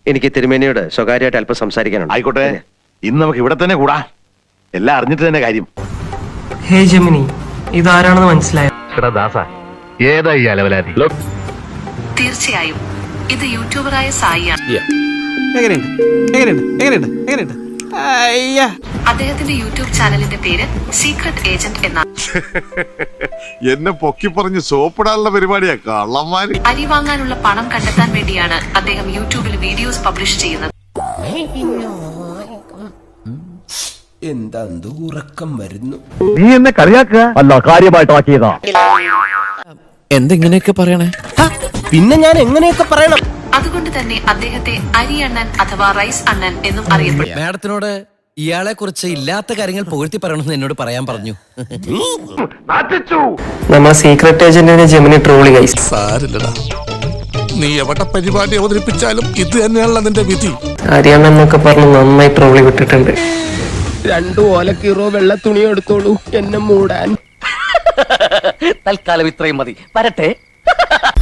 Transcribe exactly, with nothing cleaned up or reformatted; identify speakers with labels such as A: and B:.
A: എനിക്ക് തിരുമേനിയോട് സ്വകാര്യമായിട്ട് അല്പം സംസാരിക്കാനുണ്ട്.
B: ആയിക്കോട്ടെ, ഇന്ന് നമുക്ക് ഇവിടെ തന്നെ കൂടാ. എല്ലാം അറിഞ്ഞിട്ട് തന്നെ കാര്യം.
C: ഹേ ജെമിനി, ഇതാരാണെന്ന് മനസ്സിലായോ?
B: ഏതാ ഈ അലവലാതി?
D: തീർച്ചയായും ഇത് യൂട്യൂബറായ സായിയാണ്.
E: എങ്ങനെയുണ്ട് എങ്ങനെയുണ്ട് എങ്ങനെയുണ്ട് എങ്ങനെയുണ്ട് അയ്യാ.
D: അദ്ദേഹത്തിന്റെ യൂട്യൂബ് ചാനലിന്റെ പേര് സീക്രട്ട് ഏജന്റ് എന്നാണ്.
F: എന്നെ പൊക്കി പറഞ്ഞ് സോപ്പിടാനുള്ള പരിപാടിയാ കള്ളന്മാര്.
D: അരി വാങ്ങാനുള്ള പണം കണ്ടെത്താൻ വേണ്ടിയാണ് അദ്ദേഹം യൂട്യൂബിൽ വീഡിയോസ് പബ്ലിഷ് ചെയ്യുന്നത്.
G: എന്താ ഉറക്കം വരുന്നു?
B: നീ എന്നെ കളിയാക്കുക അല്ല, കാര്യമായിട്ടാക്കിയതാ.
G: എന്തെങ്ങനെയൊക്കെ പറയണേ? പിന്നെ ഞാൻ എങ്ങനെയൊക്കെ പറയണം?
D: അതുകൊണ്ട് തന്നെ അദ്ദേഹത്തെ അരി അണ്ണൻ അഥവാ റൈസ് അണ്ണൻ എന്നും അറിയപ്പെടും.
G: മാഡത്തിനോട് ഇയാളെ കുറിച്ച് ഇല്ലാത്ത കാര്യങ്ങൾ പുകഴ്ത്തി പറയണമെന്ന് എന്നോട് പറയാൻ പറഞ്ഞു.
C: നമ്മ സീക്രട്ട് ഏജന്റിനെ ജെമിനി ട്രോളി ഗൈസ്.
H: സാരില്ലടാ, നീ എവിടെ പരിപാടി അവതരിപ്പിച്ചാലും ഇത് തന്നെയാണല്ലോ നിന്റെ വിധി.
C: അറിയാമെന്നൊക്കെ പറഞ്ഞ് നന്നായി ട്രോളി വിട്ടിട്ടുണ്ട്.
G: രണ്ടു ഓലക്കീറോ വെള്ള തുണി എടുത്തോളൂ എന്നെ മൂടാൻ.
I: തൽക്കാലം ഇത്രയും മതി. വരട്ടെ.